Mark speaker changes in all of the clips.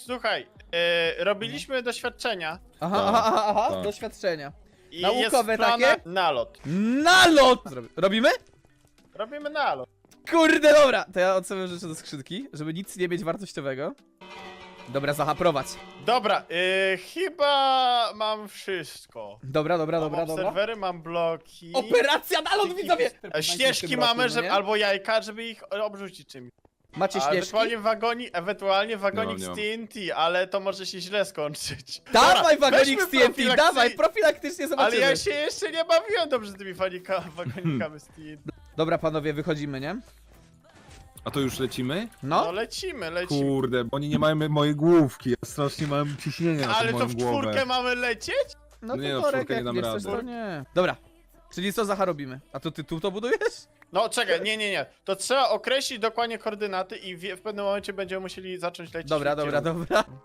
Speaker 1: Słuchaj, robiliśmy doświadczenia
Speaker 2: Aha,
Speaker 3: Tak.
Speaker 2: doświadczenia.
Speaker 1: i
Speaker 2: Naukowe
Speaker 1: jest plana
Speaker 2: takie?
Speaker 1: nalot.
Speaker 2: Nalot! Robimy?
Speaker 1: Robimy nalot.
Speaker 2: Kurde, dobra! To ja odstawiam rzeczy do skrzynki, żeby nic nie mieć wartościowego. Dobra, Zacha, prowadź.
Speaker 1: Dobra, chyba mam wszystko.
Speaker 2: Dobra.
Speaker 1: Mam serwery, mam bloki.
Speaker 2: Operacja nalot, widzowie!
Speaker 1: Ścieżki mamy, żeby, albo jajka, żeby ich obrzucić czymś.
Speaker 2: Macie
Speaker 1: A
Speaker 2: śnieżki?
Speaker 1: ewentualnie wagonik
Speaker 3: Nie
Speaker 1: z
Speaker 3: mam.
Speaker 1: TNT, ale to może się źle skończyć.
Speaker 2: Dawaj
Speaker 1: Dobra,
Speaker 2: wagonik
Speaker 1: weźmy
Speaker 2: z TNT,
Speaker 1: profilaktycznie-
Speaker 2: dawaj, profilaktycznie
Speaker 1: Ale
Speaker 2: zobaczymy.
Speaker 1: ja się jeszcze nie bawiłem dobrze z tymi wagonikami z TNT.
Speaker 2: Dobra, panowie, wychodzimy, nie?
Speaker 3: A to już lecimy?
Speaker 1: No
Speaker 2: No.
Speaker 1: lecimy.
Speaker 3: Kurde, bo oni nie mają mojej główki. Ja strasznie mam ciśnienia na
Speaker 1: Ale
Speaker 3: tą
Speaker 1: to
Speaker 3: moją
Speaker 1: w czwórkę
Speaker 3: głowę.
Speaker 1: mamy lecieć?
Speaker 2: No
Speaker 3: Nie,
Speaker 2: to
Speaker 3: w
Speaker 2: Torek,
Speaker 3: czwórkę
Speaker 2: jak
Speaker 3: nie
Speaker 2: nie
Speaker 3: dam
Speaker 2: chcesz,
Speaker 3: rady.
Speaker 2: to nie. Dobra. Czyli co, Zacha, robimy? A to ty tu to budujesz?
Speaker 1: No czekaj, nie. To trzeba określić dokładnie koordynaty i w pewnym momencie będziemy musieli zacząć lecieć.
Speaker 2: Dobra.
Speaker 1: w kierunku.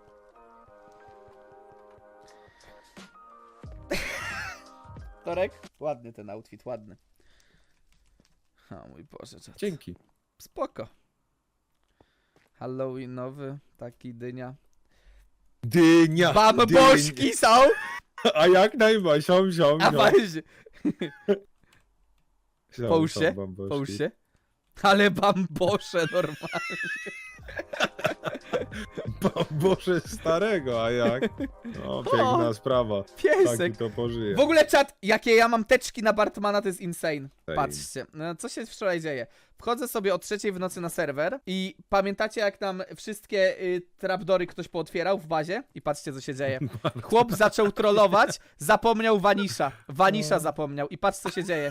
Speaker 2: Torek? Ładny ten outfit, ładny. O mój Boże, czad.
Speaker 3: Dzięki.
Speaker 2: Spoko. Halloweenowy, taki dynia.
Speaker 3: Dynia!
Speaker 2: Bamboszki są!
Speaker 3: A jak najbardziej, siom.
Speaker 2: A weź,
Speaker 3: Siom,
Speaker 2: połóż
Speaker 3: siom,
Speaker 2: się,
Speaker 3: bamboszki.
Speaker 2: połóż się. Ale bambosze normalnie.
Speaker 3: Bambosze starego, a jak? No, piękna sprawa.
Speaker 2: Piesek.
Speaker 3: Taki to pożyje.
Speaker 2: W ogóle czat, jakie ja mam teczki na Bartmana, to jest insane.
Speaker 3: Ej.
Speaker 2: Patrzcie, no, co się wczoraj dzieje. Wchodzę sobie o 3 w nocy na serwer i pamiętacie jak tam wszystkie trapdory ktoś pootwierał w bazie? I patrzcie co się dzieje. Chłop zaczął trollować, zapomniał Vanisha. Vanisha zapomniał i patrz co się dzieje.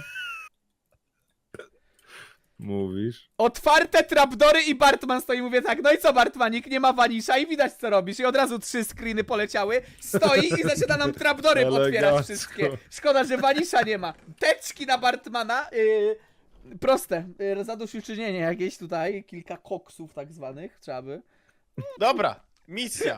Speaker 3: Mówisz?
Speaker 2: Otwarte trapdory i Bartman stoi, mówię tak, no i co Bartmanik, nie ma Vanisha i widać co robisz. I od razu 3 screeny poleciały, stoi i zaczyna nam trapdory otwierać
Speaker 3: Elegancko.
Speaker 2: wszystkie. Szkoda, że Vanisha nie ma. Teczki na Bartmana, proste, zadośćuczynienie jakieś tutaj, kilka koksów tak zwanych, trzeba by.
Speaker 1: Dobra, misja.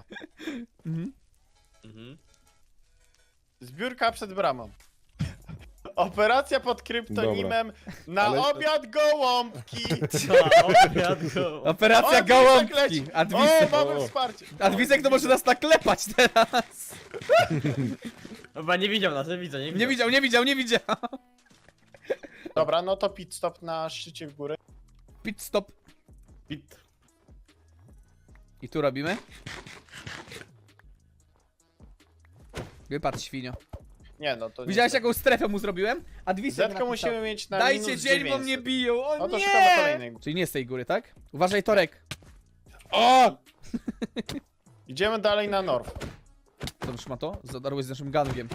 Speaker 2: Mhm.
Speaker 1: Zbiórka przed bramą. Operacja pod kryptonimem na
Speaker 3: Ale to-
Speaker 1: obiad gołąbki.
Speaker 2: Operacja
Speaker 1: O,
Speaker 2: gołąbki.
Speaker 1: Adwisek leci. O,
Speaker 2: Adwisek.
Speaker 1: mamy
Speaker 3: O.
Speaker 1: wsparcie.
Speaker 2: Adwisek to może nas naklepać teraz.
Speaker 4: Chyba nie widział nas, nie widzę, nie widział.
Speaker 2: Nie widział.
Speaker 1: Dobra, no to pit stop na szczycie w górę.
Speaker 2: Pit stop.
Speaker 4: Pit.
Speaker 2: I tu robimy. Wypadł świnio.
Speaker 1: Nie no, to nie.
Speaker 2: Widziałeś jaką strefę mu zrobiłem? Adwisek
Speaker 1: Zetkę
Speaker 2: napisał.
Speaker 1: musimy mieć na
Speaker 2: Dajcie
Speaker 1: minus
Speaker 2: dzień, bo
Speaker 1: 900.
Speaker 2: mnie biją, o
Speaker 1: No to
Speaker 2: nie!
Speaker 1: szukamy kolejnej góry.
Speaker 2: Czyli nie z tej góry, tak? Uważaj, Torek.
Speaker 1: O! Idziemy dalej na North.
Speaker 2: Dobrze ma to? Zadarłeś z naszym gangiem.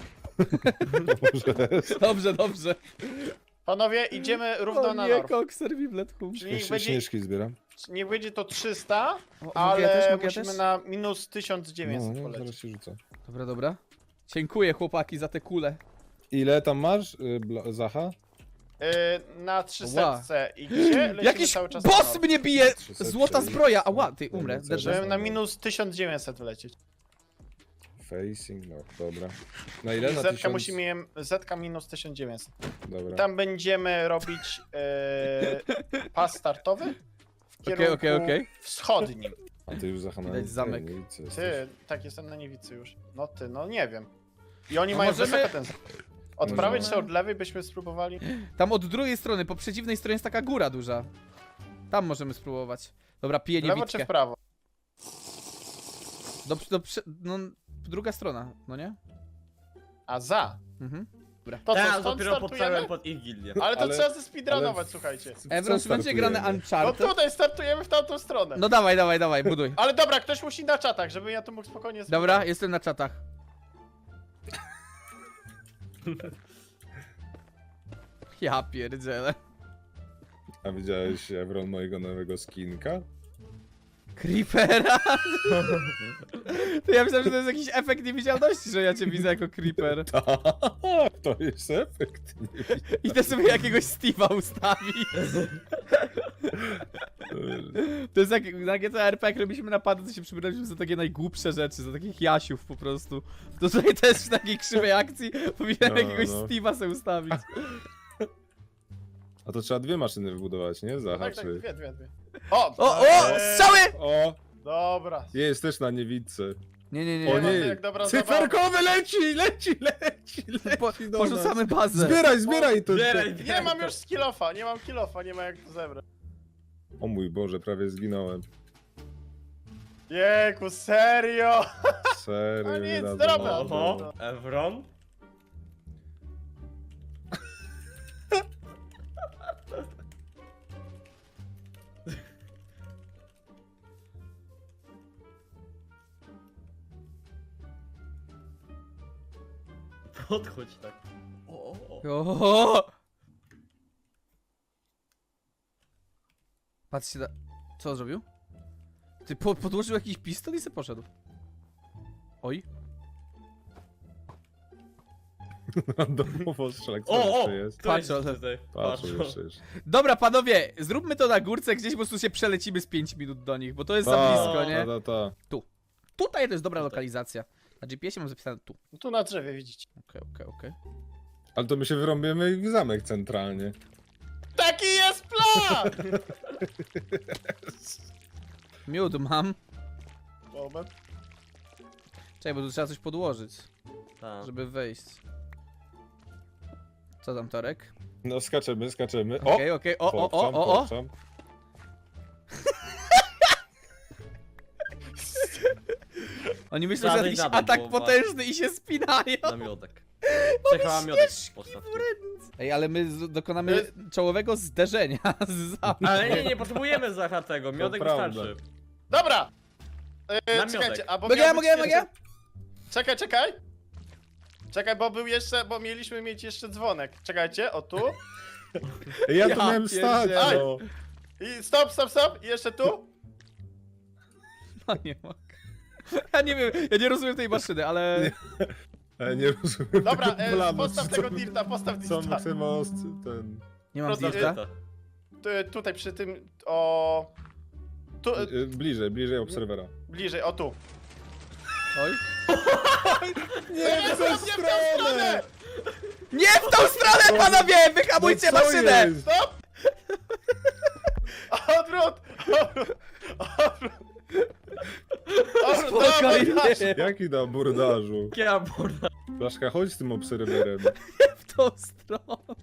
Speaker 3: Może
Speaker 2: Dobrze.
Speaker 1: Panowie, idziemy równo
Speaker 2: O
Speaker 1: na
Speaker 2: nie,
Speaker 1: North.
Speaker 2: kokser Biblet hum.
Speaker 1: Czyli niech
Speaker 3: zbieram.
Speaker 1: będzie to 300,
Speaker 2: Mogę
Speaker 1: ale
Speaker 2: ja też?
Speaker 1: musimy na minus 1900 polecieć.
Speaker 3: się rzucę.
Speaker 2: Dobra. Dziękuję chłopaki za te kule.
Speaker 3: Ile tam masz, Zacha?
Speaker 1: Na 300 i gdzie? Lecimy
Speaker 2: Jakiś
Speaker 1: cały czas na
Speaker 2: boss
Speaker 1: North.
Speaker 2: mnie bije!
Speaker 3: 300
Speaker 2: Złota
Speaker 3: czyli-
Speaker 2: zbroja! Ała, ty umrę.
Speaker 3: Żeby
Speaker 2: Derze.
Speaker 1: Żebym na minus 1900 wlecieć.
Speaker 3: Facing, no dobra. Na ile?
Speaker 1: I
Speaker 3: Na
Speaker 1: zetka
Speaker 3: 1000?
Speaker 1: musimy mieć zetka minus 1900.
Speaker 3: Dobra.
Speaker 1: Tam będziemy robić pas startowy w kierunku
Speaker 2: Okej.
Speaker 1: wschodnim.
Speaker 3: A ty już Zacha na
Speaker 2: Widać zamek.
Speaker 3: tajemnicy jesteś.
Speaker 1: Ty, tak jestem na niewicy już. No ty, no nie wiem. I oni
Speaker 2: No
Speaker 1: mają
Speaker 2: możemy-
Speaker 1: wysoko ten zamek. Od
Speaker 3: Możemy-
Speaker 1: prawej czy od lewej byśmy spróbowali?
Speaker 2: Tam od drugiej strony, po przeciwnej stronie jest taka góra duża. Tam możemy spróbować. Dobra, piję
Speaker 1: W lewo czy
Speaker 2: niewidkę.
Speaker 1: w prawo?
Speaker 2: No, druga strona, no nie?
Speaker 1: A za.
Speaker 2: Mhm.
Speaker 1: To co,
Speaker 4: Teraz
Speaker 1: stąd
Speaker 4: dopiero
Speaker 1: startujemy?
Speaker 4: podstałem pod ich gildię.
Speaker 1: Ale to
Speaker 3: Ale-
Speaker 1: trzeba zespeedrunować,
Speaker 3: ale-
Speaker 1: słuchajcie.
Speaker 2: Evron, czy będzie grane
Speaker 3: startujemy?
Speaker 1: No
Speaker 2: Uncharted?
Speaker 1: tutaj startujemy w tamtą stronę.
Speaker 2: No dawaj, buduj.
Speaker 1: Ale dobra, ktoś musi na czatach, żebym ja tu mógł spokojnie
Speaker 2: Dobra, jestem na czatach. Ja pierdzielę.
Speaker 3: A widziałeś, Evron, mojego nowego skinka?
Speaker 2: Creepera? To ja myślałem, że to jest jakiś efekt niewidzialności, że ja cię widzę jako creeper.
Speaker 3: To jest efekt.
Speaker 2: Idę sobie jakiegoś Steve'a ustawić. To jest jak na GTA RP, jak robiliśmy napady, to się przybraliśmy za takie najgłupsze rzeczy, za takich jasiów po prostu. To tutaj też w takiej krzywej akcji powinienem
Speaker 3: No,
Speaker 2: jakiegoś
Speaker 3: no.
Speaker 2: Steve'a sobie ustawić.
Speaker 3: A to trzeba 2 maszyny wybudować, nie? Zaha,
Speaker 1: Tak, tak,
Speaker 3: czy...
Speaker 1: dwie. O!
Speaker 2: O, strzały!
Speaker 3: O!
Speaker 1: Dobra.
Speaker 3: Jest też na niewidce.
Speaker 2: Nie.
Speaker 3: O nie,
Speaker 1: jak dobra zabawa.
Speaker 3: cyferkowy leci do
Speaker 2: Porzucamy
Speaker 3: nas.
Speaker 2: bazę.
Speaker 3: Zbieraj to.
Speaker 4: Zbieraj.
Speaker 1: Nie mam już skillofa, nie mam killofa, nie ma jak to zebrać.
Speaker 3: O mój Boże, prawie zginąłem.
Speaker 1: Jejku, serio?
Speaker 3: Serio,
Speaker 1: A
Speaker 3: nie
Speaker 1: nic,
Speaker 3: radzę.
Speaker 1: dobra.
Speaker 4: Oho, Evron? Podchodź tak.
Speaker 2: O! Patrzcie na... Co on zrobił? Ty podłożył jakiś pistol i se poszedł. Oj.
Speaker 3: Randomowo strzelak, co
Speaker 4: O,
Speaker 3: jeszcze jest?
Speaker 4: To jest
Speaker 2: Patrz, ale-
Speaker 4: tutaj.
Speaker 3: Patrz, jeszcze.
Speaker 2: Dobra, panowie, zróbmy to na górce, gdzieś po prostu się przelecimy z 5 minut do nich, bo to jest za blisko, nie?
Speaker 3: Ta.
Speaker 2: Tutaj to jest dobra lokalizacja. Na GPS-ie mam zapisane tu.
Speaker 1: Tu na drzewie widzicie.
Speaker 2: Okej.
Speaker 3: Ale to my się wyrąbimy w zamek centralnie.
Speaker 1: Taki jest plan!
Speaker 2: Miód mam.
Speaker 1: Moment.
Speaker 2: Czekaj, bo tu trzeba coś podłożyć,
Speaker 4: Tak.
Speaker 2: żeby wejść. Co tam, Torek?
Speaker 3: No skaczemy. O!
Speaker 2: Okej. O.
Speaker 3: Poprzam.
Speaker 2: Oni myślą, że
Speaker 4: Zadaj,
Speaker 2: jakiś
Speaker 4: zadaj,
Speaker 2: atak
Speaker 4: bo-
Speaker 2: potężny i się spinają.
Speaker 4: Namiotek. Czekała miotek postaw.
Speaker 2: Ej, ale my dokonamy czołowego zderzenia z zamkiem.
Speaker 4: Ale nie potrzebujemy Zacha tego, miodek
Speaker 3: prawda.
Speaker 4: wystarczy.
Speaker 1: Dobra!
Speaker 4: Namiotek.
Speaker 1: Czekajcie, a bo
Speaker 2: Mogę?
Speaker 1: miał być
Speaker 2: Mogę?
Speaker 1: Czekaj, bo był jeszcze, bo mieliśmy mieć jeszcze dzwonek. Czekajcie, o tu.
Speaker 3: Ja tu
Speaker 2: Ja
Speaker 3: miałem stać,
Speaker 2: pierdzielę.
Speaker 3: no.
Speaker 1: I stop. I jeszcze tu.
Speaker 2: No nie mogę. Ja nie wiem, ja nie rozumiem tej maszyny, ale...
Speaker 3: Nie rozumiem
Speaker 1: Dobra,
Speaker 3: tego planu.
Speaker 1: postaw tego dirta, postaw
Speaker 3: Co
Speaker 1: dirta.
Speaker 3: chcemy ten...
Speaker 2: Nie mam
Speaker 1: Prosto-
Speaker 2: dirta.
Speaker 1: Tutaj przy tym, o... Tu,
Speaker 3: Bliżej obserwera.
Speaker 1: bliżej, o tu.
Speaker 2: Oj.
Speaker 1: Nie w tą stronę!
Speaker 2: Nie w tą stronę, panowie! Wyhamujcie
Speaker 3: No co
Speaker 2: maszynę!
Speaker 3: jest?
Speaker 1: Stop! Odwrót!
Speaker 2: Spokojnie.
Speaker 3: Jaki na burdażu?
Speaker 4: Ja burda.
Speaker 3: Blaszka, chodź z tym obserwerem.
Speaker 2: W tą stronę.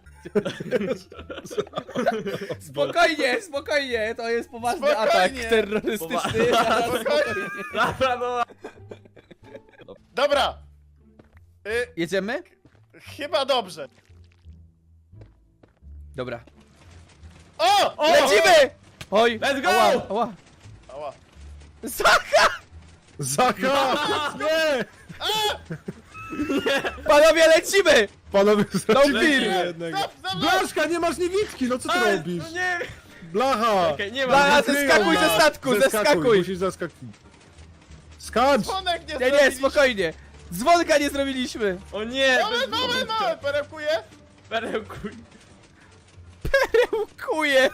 Speaker 2: Spokojnie, to jest poważny
Speaker 1: Spokojnie.
Speaker 2: atak terrorystyczny.
Speaker 1: Spokojnie.
Speaker 4: Dobra, no.
Speaker 1: Dobra!
Speaker 2: Jedziemy?
Speaker 1: Chyba dobrze.
Speaker 2: Dobra.
Speaker 1: O!
Speaker 2: Lecimy! Oj!
Speaker 4: Let's go!
Speaker 2: Ała.
Speaker 1: Ała.
Speaker 2: Zacha!
Speaker 3: Zaka! Nie!
Speaker 2: Panowie, lecimy!
Speaker 3: Panowie, straciliśmy
Speaker 2: Lecimy.
Speaker 3: jednego.
Speaker 1: Stop, stop, stop.
Speaker 3: Blaszka, nie masz niewidki, no co ty
Speaker 4: Ej,
Speaker 3: robisz?
Speaker 4: no nie!
Speaker 3: Blacha!
Speaker 4: Okej, nie ma.
Speaker 2: Blacha,
Speaker 4: nic.
Speaker 2: zeskakuj ze statku, zeskakuj!
Speaker 3: Musisz zeskakuj. Skacz!
Speaker 1: Dzwonek nie
Speaker 2: Nie,
Speaker 1: zrobiliście.
Speaker 2: spokojnie. Dzwonka nie zrobiliśmy.
Speaker 4: O nie!
Speaker 1: Moment, perełkuję.
Speaker 4: Perełkuj.
Speaker 2: Kuje.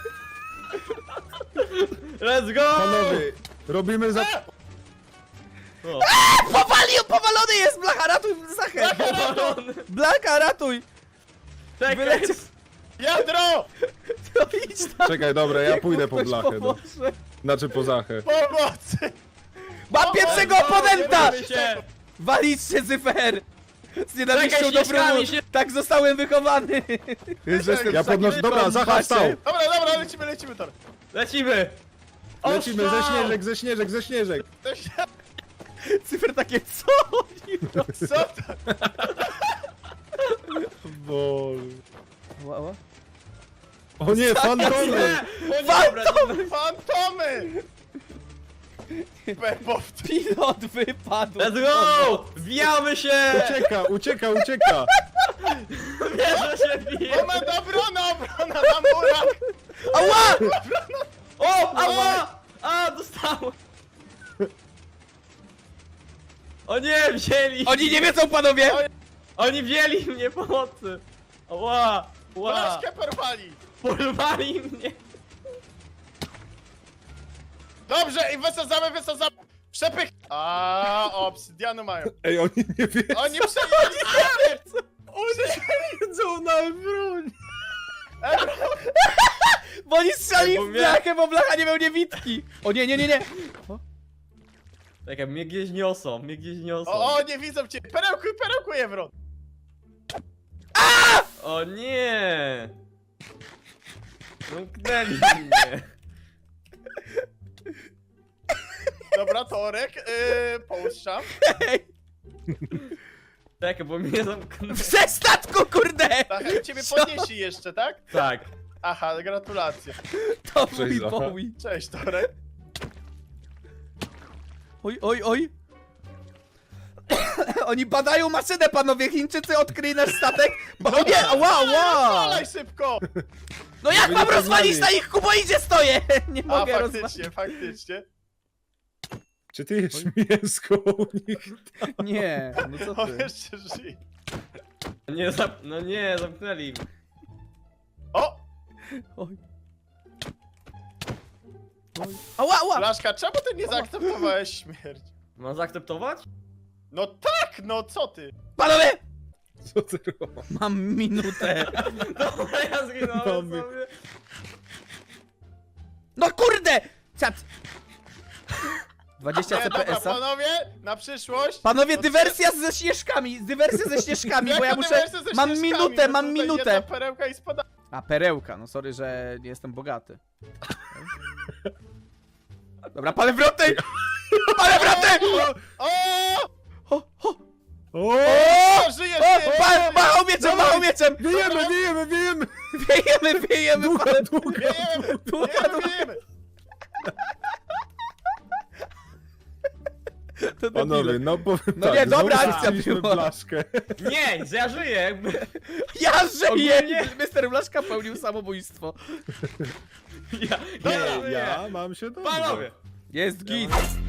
Speaker 4: Let's go!
Speaker 3: Panowie, robimy za...
Speaker 4: O,
Speaker 2: Powalony jest! Blacha, ratuj Zachę!
Speaker 4: powalony.
Speaker 2: Blacha, ratuj!
Speaker 4: Czekaj!
Speaker 2: Wyleciał.
Speaker 1: Jadro!
Speaker 2: To idź tam.
Speaker 3: Czekaj, dobra, ja
Speaker 2: Niech
Speaker 3: pójdę
Speaker 2: mu
Speaker 3: po
Speaker 2: ktoś
Speaker 3: blachę. No.
Speaker 2: pomoże.
Speaker 3: Znaczy po Zachę.
Speaker 1: Pomocy!
Speaker 2: Mam pierwszego
Speaker 1: O,
Speaker 2: oponenta!
Speaker 1: nie
Speaker 4: się!
Speaker 2: Walić się, Zyfer! Z nienawiścią
Speaker 4: Czekaj,
Speaker 2: do
Speaker 4: ścieżkami
Speaker 2: brudu!
Speaker 4: się-
Speaker 2: Tak zostałem wychowany!
Speaker 3: Ja podnoszę... Dobra, Zacha wstał!
Speaker 1: Dobra, lecimy, Tor.
Speaker 4: Lecimy!
Speaker 3: Lecimy,
Speaker 4: Ostrzał!
Speaker 3: ze śnieżek!
Speaker 2: Cyfer takie, co oni robią?
Speaker 1: Co to?
Speaker 3: Boże.
Speaker 2: Ła.
Speaker 3: O nie, fantomy!
Speaker 4: O nie, dobra,
Speaker 1: Fantomy! Perbowcy.
Speaker 2: Pilot wypadł!
Speaker 4: Let's go! Wbijamy się!
Speaker 3: Ucieka!
Speaker 4: Wiesz, że się bije!
Speaker 1: Moment, obrona na murach!
Speaker 2: Ała!
Speaker 4: O! Ała! A, dostałem! O nie, wzięli!
Speaker 2: Oni nie wiedzą, panowie!
Speaker 4: Oni wzięli mnie pomocy! Ła! Ła!
Speaker 1: Blaszkę porwali!
Speaker 4: Porwali mnie!
Speaker 1: Dobrze, i wysadzamy! Przepych! A, obsydianu mają.
Speaker 3: Ej, oni nie wiedzą,
Speaker 1: Oni przejęli!
Speaker 3: wiedzą na broń!
Speaker 2: Bo oni strzeli
Speaker 4: Bo
Speaker 2: w
Speaker 4: mnie-
Speaker 2: blachę, bo blacha nie miał niewidki! O nie! O.
Speaker 4: Czekaj, mnie gdzieś niosą, mnie gdzieś niosą.
Speaker 1: O, nie widzą cię! Perełkuj, Evron!
Speaker 4: O nie! Zamknęli mnie.
Speaker 1: Dobra, Torek, puszczam.
Speaker 2: Ej,
Speaker 4: Czekaj, bo mnie zamknęli.
Speaker 2: ze statku, kurde!
Speaker 1: Tak, i ciebie podnieśli jeszcze, tak?
Speaker 4: Tak.
Speaker 1: Aha, gratulacje.
Speaker 2: To
Speaker 3: Cześć,
Speaker 2: mój
Speaker 3: Zacha.
Speaker 2: Bowie.
Speaker 1: Cześć, Torek.
Speaker 2: Oj. Oni badają maszynę, panowie. Chińczycy odkryli nasz statek. O nie, wow.
Speaker 1: Rozwalaj szybko!
Speaker 2: No jak
Speaker 3: Wy
Speaker 2: mam
Speaker 3: nie
Speaker 2: rozwalić
Speaker 3: poznali.
Speaker 2: na ich kuboidzie stoję? Nie
Speaker 1: A,
Speaker 2: mogę rozwalić.
Speaker 1: faktycznie.
Speaker 3: Czy ty jesz mięsko u nich?
Speaker 2: Nie, no co
Speaker 1: O,
Speaker 2: ty?
Speaker 1: jeszcze żyje.
Speaker 4: Nie, no nie, zamknęli.
Speaker 1: O!
Speaker 2: Oj. Ała.
Speaker 1: Blaszka, czemu ty nie zaakceptowałeś śmierć?
Speaker 4: Mam zaakceptować?
Speaker 1: No tak, no co ty?
Speaker 2: Panowie!
Speaker 3: Co ty robisz?
Speaker 2: Mam minutę.
Speaker 4: Dobra, ja zginąłem
Speaker 3: Mamy.
Speaker 4: sobie.
Speaker 2: No kurde! Czat. 20
Speaker 1: Nie, dobra,
Speaker 2: CPS-a.
Speaker 1: panowie, na przyszłość.
Speaker 2: Panowie,
Speaker 1: to
Speaker 2: dywersja ze śnieżkami. Dywersja ze śnieżkami, bo ja
Speaker 1: Jaka
Speaker 2: muszę...
Speaker 1: dywersja ze
Speaker 2: Mam
Speaker 1: ścieżkami?
Speaker 2: minutę,
Speaker 1: No
Speaker 2: mam
Speaker 1: tutaj
Speaker 2: minutę.
Speaker 1: Jedna perełka i spada.
Speaker 2: A, perełka. No sorry, że nie jestem bogaty. Dobra, palę wroty! Palę wroty!
Speaker 1: O!
Speaker 2: O!
Speaker 3: O!
Speaker 1: O! Żyjesz ty!
Speaker 2: Machał mieczem, machał mieczem!
Speaker 3: Wiejemy!
Speaker 2: Wiejemy,
Speaker 3: Długa,
Speaker 2: palę...
Speaker 3: długa.
Speaker 1: Wiejemy!
Speaker 2: To
Speaker 3: Panowie,
Speaker 2: debile.
Speaker 3: no powiem
Speaker 2: No
Speaker 3: tak,
Speaker 2: nie, dobra
Speaker 3: znowu
Speaker 2: akcja
Speaker 3: straciliśmy
Speaker 2: była.
Speaker 3: Blaszkę.
Speaker 4: Nie, że ja żyję jakby.
Speaker 2: Ja żyję!
Speaker 4: Ogólnie-
Speaker 2: Mister Blaszka pełnił samobójstwo.
Speaker 4: Ja
Speaker 3: Nie,
Speaker 4: żyję.
Speaker 3: ja mam się dobrze.
Speaker 4: Panowie!
Speaker 2: Jest git.